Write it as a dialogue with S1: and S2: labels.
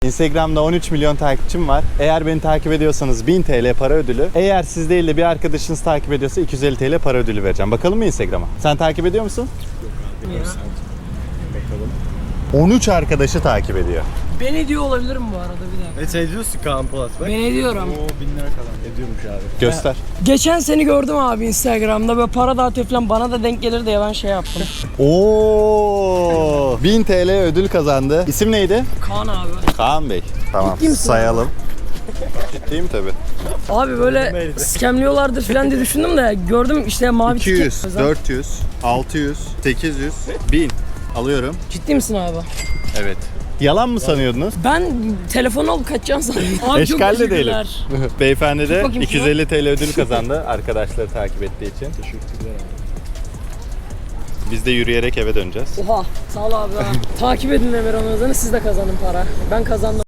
S1: Instagram'da 13 milyon takipçim var. Eğer beni takip ediyorsanız 1000 TL para ödülü. Eğer siz değil de bir arkadaşınız takip ediyorsa 250 TL para ödülü vereceğim. Bakalım mı Instagram'a? Sen takip ediyor musun?
S2: Ya.
S1: Bakalım. 13 arkadaşı takip ediyor.
S2: Ben ediyor olabilirim bu arada bir dakika.
S3: Ediyorsun Kaan Polat bak.
S2: Ben ediyorum.
S3: Oo 1000 lira kalan. Ediyormuş abi.
S1: Göster.
S2: Geçen seni gördüm abi Instagram'da böyle para dağıtıyor falan, bana da denk gelir diye ben şey yaptım.
S1: Oo! 1000 TL ödül kazandı. İsim neydi?
S2: Kaan abi.
S1: Kaan Bey. Tamam.
S2: Ciddi misin
S1: Sayalım. Ciddiyim tabii.
S2: Abi böyle scamliyorlardır falan diye düşündüm de gördüm işte mavi
S1: 200,
S2: tiket.
S1: 400, 600, 800, 1000. Alıyorum.
S2: Ciddi misin abi?
S1: Evet. Yalan mı sanıyordunuz?
S2: Ben telefonu alıp kaçacağım sandım. Abi çok
S1: Eşkal de değilim.
S2: teşekkürler.
S1: Beyefendi de
S2: bakayım şuna.
S1: 250 TL ödül kazandı arkadaşları takip ettiği için.
S3: Teşekkürler abi.
S1: Biz de yürüyerek eve döneceğiz.
S2: Oha sağ ol abi. Takip edin Emir Anadolu'nu, siz de kazanın para. Ben kazandım.